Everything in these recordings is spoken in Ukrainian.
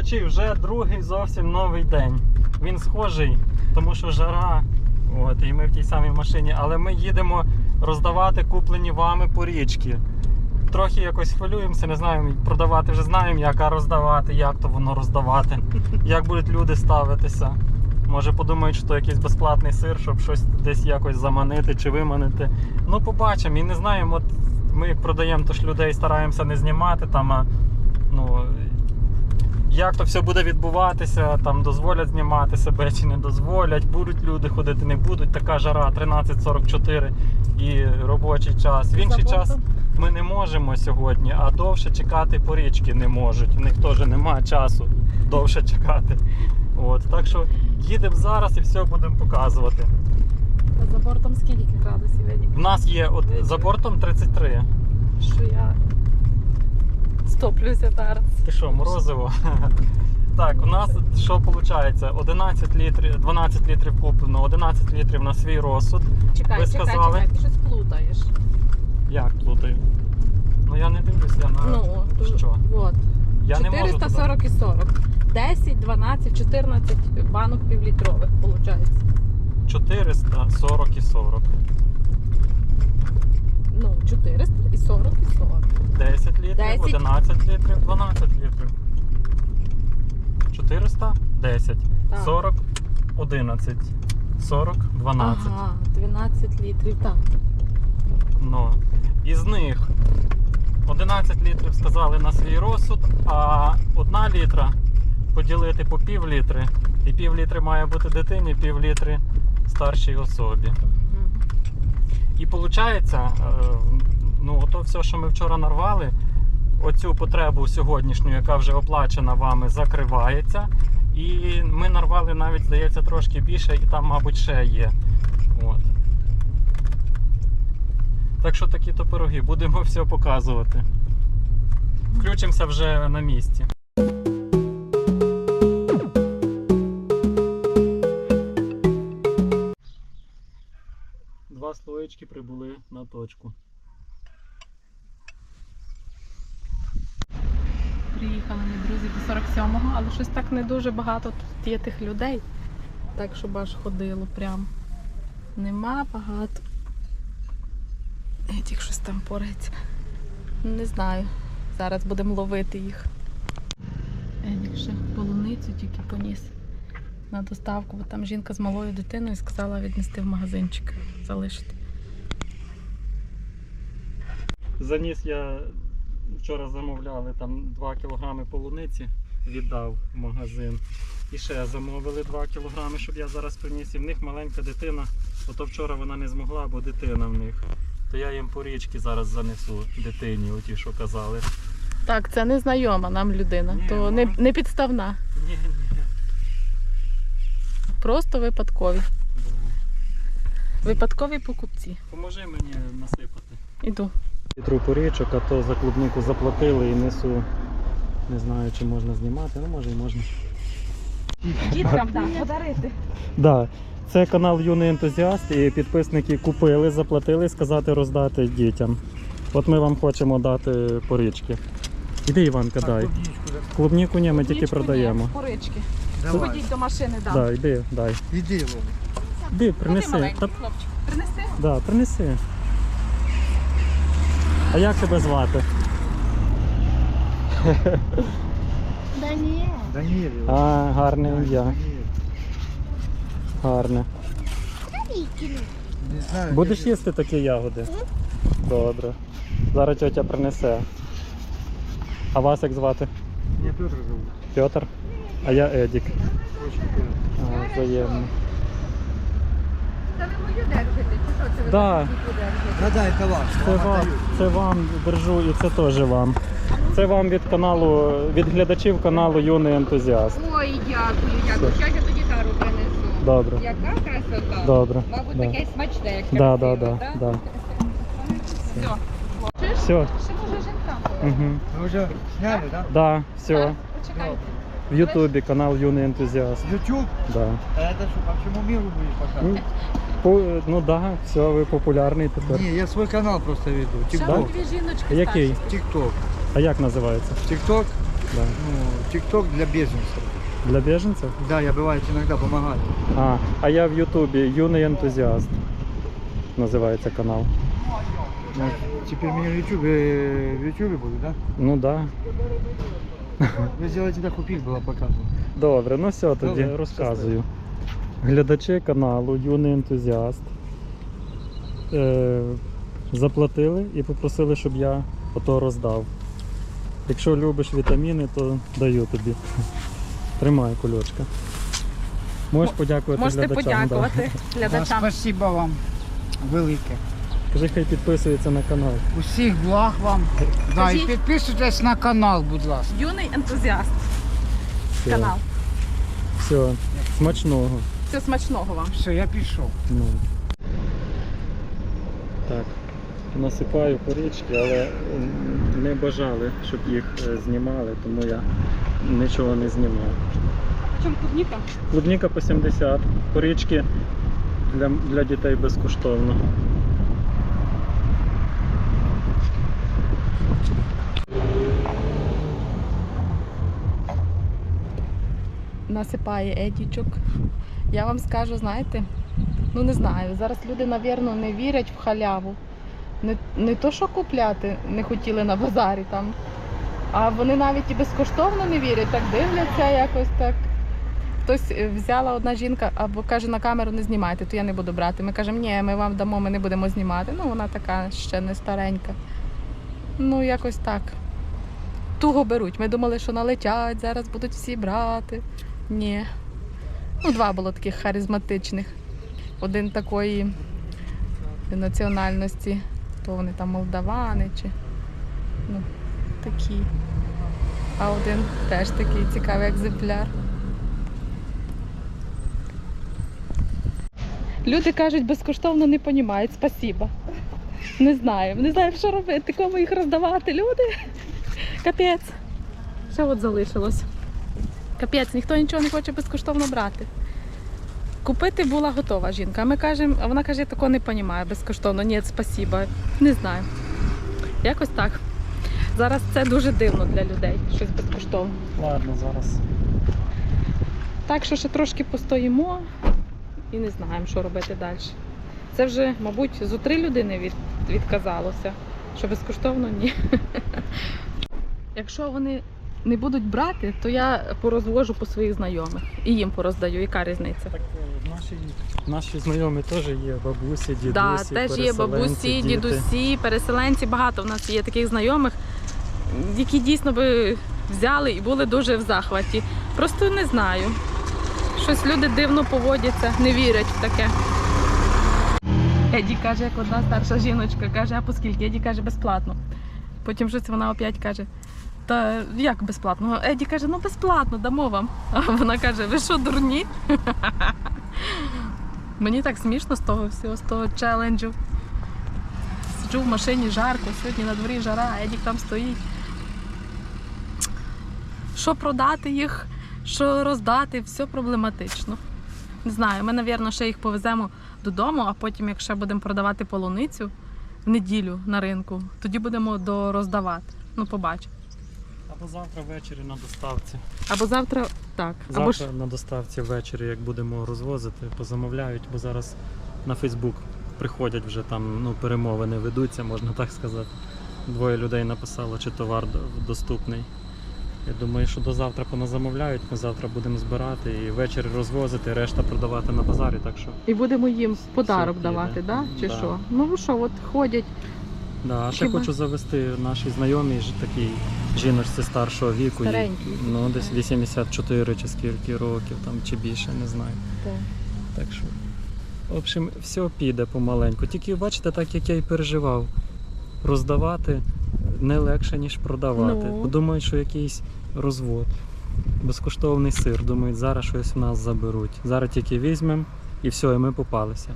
Коротше, вже другий зовсім новий день. Він схожий, тому що жара, от, і ми в тій самій машині, але ми їдемо роздавати куплені вами порічки. Трохи якось хвилюємося, не знаємо, продавати вже знаємо, як роздавати, як то воно роздавати, як будуть люди ставитися. Може подумають, що якийсь безплатний сир, щоб щось десь якось заманити чи виманити. Ну, побачимо. І не знаємо, от ми як продаємо, то ж людей стараємося не знімати там, а ну, як то все буде відбуватися, там дозволять знімати себе чи не дозволять, будуть люди ходити, не будуть. Така жара, 13:44 і робочий час. В інший час ми не можемо сьогодні, а довше чекати порічки не можуть. У них теж немає часу довше чекати. От, так що їдемо зараз і все будемо показувати. А за бортом скільки градусів, Едік? В нас є за бортом 33. Що я стоплюся зараз. Ти що, морозиво? Так, у нас що виходить? 11 літрів, 12 літрів куплено, 11 літрів на свій розсуд. Чекай, Ви сказали? ти щось плутаєш. Як плутаю? Ну я не дивлюсь, я на що? Вот. Я 440 і 40. 10, 12, 14 банок півлітрових, виходить. 440 і 40. Ну, 400 і 40 і 40. 10 літрів, 10. 11 літрів, 12 літрів. 400, 10. Так. 40, 11. 40, 12. Ага, 12 літрів, так. Ну, із них 11 літрів сказали на свій розсуд, а 1 літра поділити по пів літри. І пів літри має бути дитині, пів літри старшій особі. І виходить, ну, ото все, що ми вчора нарвали, оцю потребу сьогоднішню, яка вже оплачена вами, закривається. І ми нарвали навіть, здається, трошки більше, і там, мабуть, ще є. От. Так що такі-то пироги, будемо все показувати. Включимося вже на місці. Два слоєчки прибули на точку. Приїхали ми, друзі, до 47-го, але щось так не дуже багато тут є тих людей. Так, щоб аж ходило прям. Нема багато. Едік щось там порається. Не знаю. Зараз будемо ловити їх. Едік ще полуницю тільки поніс на доставку, бо там жінка з малою дитиною сказала віднести в магазинчик, залишити. Заніс я, вчора замовляли там 2 кілограми полуниці, віддав в магазин. І ще замовили 2 кілограми, щоб я зараз приніс. І в них маленька дитина, ото вчора вона не змогла, бо дитина в них. То я їм порічки зараз занесу дитині, оті, що казали. Так, це не знайома нам людина, Ні, то не підставна. Ні. Просто випадкові. Випадкові покупці. Поможи мені насипати. Іду. Літру порічок, а то за клубнику заплатили і несу. Не знаю, чи можна знімати, ну може і можна. Діткам, так, подарити. Да. Це канал Юний Ентузіаст, і підписники купили, заплатили, сказати роздати дітям. От ми вам хочемо дати порічки. Іди, Іванка, дай. Клубніку ні, ми тільки продаємо. Порички. Давай. Ходіть до машини, дам. Да, іди, дай. Іди, Вова. Іди, принеси. Маленький Та, хлопчик. Принеси? да, принеси. А як тебе звати? Даніель. Даніель. А, гарне ім'я. Гарне. Не знаю. Будеш їсти такі ягоди? Добре. Зараз тьотя принесе. А вас як звати? Меня Петр зовут. Петр? А я Едік. Очень приятно. А, взаємно. Та ви мою держите, чи що це ви Да. держите? Да, это ваш. Це вам держу і це теж вам. Це вам від каналу, від глядачів каналу Юний Ентузіаст. Ой, дякую. Все. Щось я тоді тару принесу. Добре. Яка красота? Добре. Мабуть, Да. таке смачне, як Да, красиво, да, да, так? да. Все. Все. Ще може жінка. Угу. Вы уже сняли, да? Да, все. Почекайте. В Ютубі канал Юний Ентузіаст. YouTube? Да. А это что, по всему миру будешь Ну, показывать? ну да, все, ви популярний тепер. Не, я свой канал просто веду. Ще TikTok. дві жіночки Який? старші. TikTok. А як називається? TikTok. Да. Ну, ТикТок для беженцев. Для біженців? Да, я бывает иногда помогаю. А я в Ютубі юний ентузіаст. Називається канал. Ну, теперь меня в Ютубе буду, да? Ну так. Да. Вы сделайте так, купить было показывать. Добре, ну все, тоді Добре, розказую. Глядачі каналу Юний ентузіаст заплатили і попросили, щоб я ото роздав. Якщо любиш вітаміни, то даю тобі. Тримай, кульочка. Можеш подякувати Можете глядачам. подякувати глядачам. Спасибо вам велике. Да. Кажи, хай підписується на канал. Усіх благ вам. Да, і Кажіть. підписуйтесь на канал, будь ласка. Юний ентузіаст. Все. Канал. Все, смачного. Все смачного вам. Все, я пішов. Ну. Так, насипаю порічки, але не бажали, щоб їх знімали, тому я нічого не знімав. Чому клубніка? Клубніка по 70, порічки для дітей безкоштовно. Насипає Едічок. Я вам скажу, знаєте, ну не знаю, зараз люди, напевно, не вірять в халяву. Не то, що купляти не хотіли на базарі там, а вони навіть і безкоштовно не вірять, так дивляться якось так. Хтось взяла одна жінка або каже, на камеру не знімайте, то я не буду брати. Ми кажемо, ні, ми вам дамо, ми не будемо знімати. Ну, вона така ще не старенька. Ну, якось так. Туго беруть. Ми думали, що налетять, зараз будуть всі брати. Ні. Ну, два було таких харизматичних. Один такої національності, то вони там молдавани чи ну, такі. А один теж такий цікавий екземпляр. Люди кажуть, безкоштовно не розуміють, спасіба. Не знаю, що робити, кому їх роздавати, люди. Капець. Ще от залишилось. Капець, ніхто нічого не хоче безкоштовно брати. Купити була готова жінка, а ми кажемо, а вона каже, я такого не розумію, безкоштовно. Ні, спасіба. Не знаю. Якось так. Зараз це дуже дивно для людей, щось безкоштовно. Ладно, зараз. Так що ще трошки постоїмо і не знаємо, що робити далі. Це вже, мабуть, зо 3 людини відказалося, що безкоштовно ні. Якщо вони не будуть брати, то я порозвожу по своїх знайомих і їм пороздаю. Яка різниця? Так, наші знайомі теж є, бабусі, дідусі, Да, теж є бабусі, діти. дідусі, переселенці. Багато в нас є таких знайомих, які дійсно би взяли і були дуже в захваті. Просто не знаю. Щось люди дивно поводяться, не вірять в таке. Еді каже, як одна старша жіночка, каже, а по скільки? Еді каже, безплатно. Потім щось вона опять каже, та як безплатно? Еді каже, ну безплатно, дамо вам. А вона каже, ви що, дурні? Мені так смішно з того всього, з того челенджу. Сиджу в машині, жарко, сьогодні на дворі жара, а Едік там стоїть. Що продати їх, що роздати, все проблематично. Не знаю, ми, мабуть, ще їх повеземо додому, а потім, якщо будемо продавати полуницю в неділю на ринку, тоді будемо дороздавати. Ну, побачимо. Або завтра ввечері на доставці. Або завтра, так. Або ж Завтра на доставці ввечері, як будемо розвозити, позамовляють, бо зараз на Фейсбук приходять вже там, ну, перемовини ведуться, можна так сказати. 2 людей написало, чи товар доступний. Я думаю, що до завтра поназамовляють, ми завтра будемо збирати і ввечері розвозити, решта продавати на базарі, так що. і будемо їм в подарок Все давати, піде. да? Чи Да. що? Ну що, от ходять. Да, а ще Хіба? хочу завести нашій знайомій такій жіночці старшого віку. їй, Старенькій. ну, десь 84 чи скільки років, там, чи більше, не знаю. Так. Так що, в общем, все піде помаленьку. Тільки, бачите, так як я і переживав, роздавати не легше, ніж продавати. Ну. Думають, що якийсь розвод. Безкоштовний сир. Думають, зараз щось в нас заберуть. Зараз тільки візьмемо і все, і ми попалися.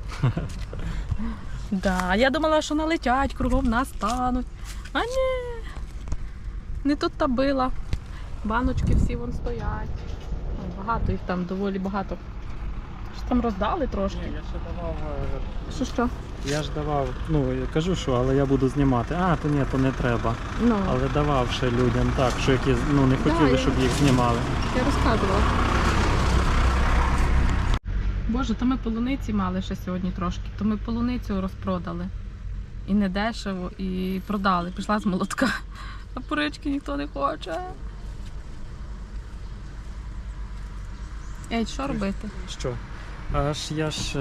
Да, я думала, що налетять, кругом нас стануть. А ні, не тут та била. Баночки всі вон стоять. Ой, багато їх там, доволі багато Що там роздали трошки? Ні, я ще давав. Що? Я ж давав, ну я кажу, що, але я буду знімати. А, то ні, то не треба. Ну, Але давав ще людям так, що які не хотіли, я- щоб їх знімали. я розказувала. Боже, то ми полуниці мали ще сьогодні трошки, то ми полуницю розпродали. І не дешево, і продали. Пішла з молотка. А порички ніхто не хоче. Ей, що робити? Що? Я ж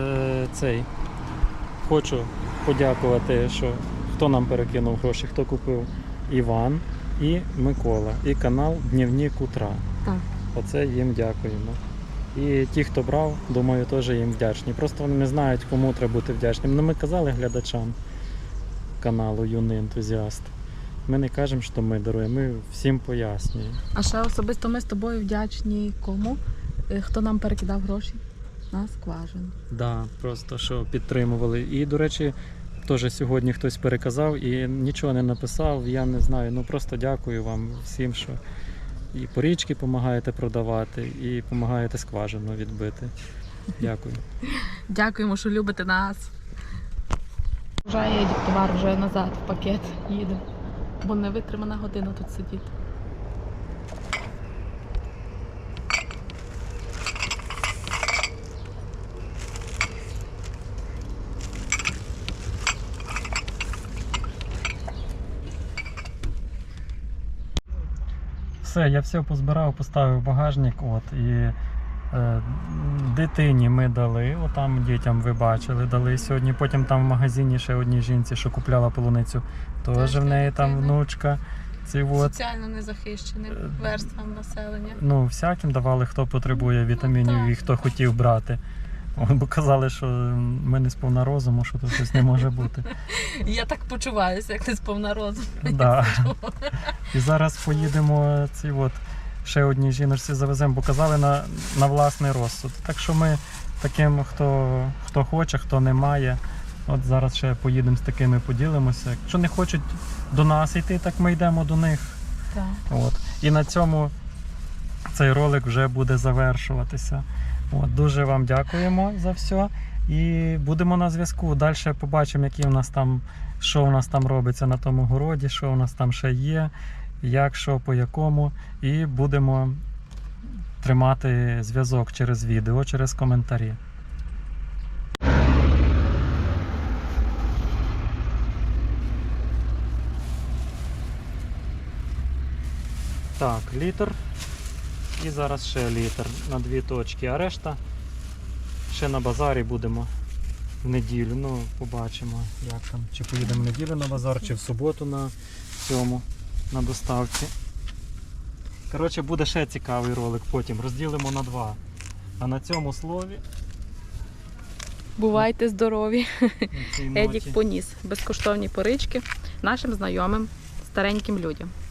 хочу подякувати, що хто нам перекинув гроші, хто купив Іван і Микола. І канал Дневник Утра. Так. Оце їм дякуємо. І ті, хто брав, думаю, теж їм вдячні. Просто вони не знають, кому треба бути вдячним. Ну, ми казали глядачам каналу Юний ентузіаст. Ми не кажемо, що ми даруємо, ми всім пояснюємо. А ще особисто ми з тобою вдячні кому? Хто нам перекидав гроші? На скважину. Да, просто що підтримували. І, до речі, теж сьогодні хтось переказав і нічого не написав. Я не знаю. Ну просто дякую вам всім, що і порічки допомагаєте продавати, і допомагаєте скважину відбити. Дякую. Дякуємо, що любите нас. Вже їде товар вже назад в пакет їде. Бо не витримана година тут сидіти. Все, я все позбирав, поставив в багажник. І дитині ми дали, отам дітям ви бачили, дали сьогодні. Потім там в магазині ще одній жінці, що купляла полуницю, теж в неї там дитина. внучка. Соціально незахищеним верствам населення. Ну, всяким давали, хто потребує вітамінів так. і хто хотів брати. Бо казали, що ми не сповна розуму, що тут щось не може бути. Я так почуваюся, як не сповна розуму. Да. І зараз поїдемо ще одній жіночці завеземо, бо казали на власний розсуд. Так що ми таким, хто хоче, хто не має, от зараз ще поїдемо з такими, поділимося. Якщо не хочуть до нас йти, так ми йдемо до них. Так. І на цьому цей ролик вже буде завершуватися. Дуже вам дякуємо за все. І будемо на зв'язку. Далі побачимо, що у нас там робиться на тому городі, що у нас там ще є, як, що, по якому. І будемо тримати зв'язок через відео, через коментарі. Так, літр. І зараз ще літр на 2 точки, а решта ще на базарі будемо в неділю. Ну, побачимо, як там. Чи поїдемо в неділю на базар, чи в суботу на доставці. Коротше, буде ще цікавий ролик потім. Розділимо на 2. А на цьому слові Бувайте здорові. на цій ноті, Едік поніс безкоштовні порички нашим знайомим стареньким людям.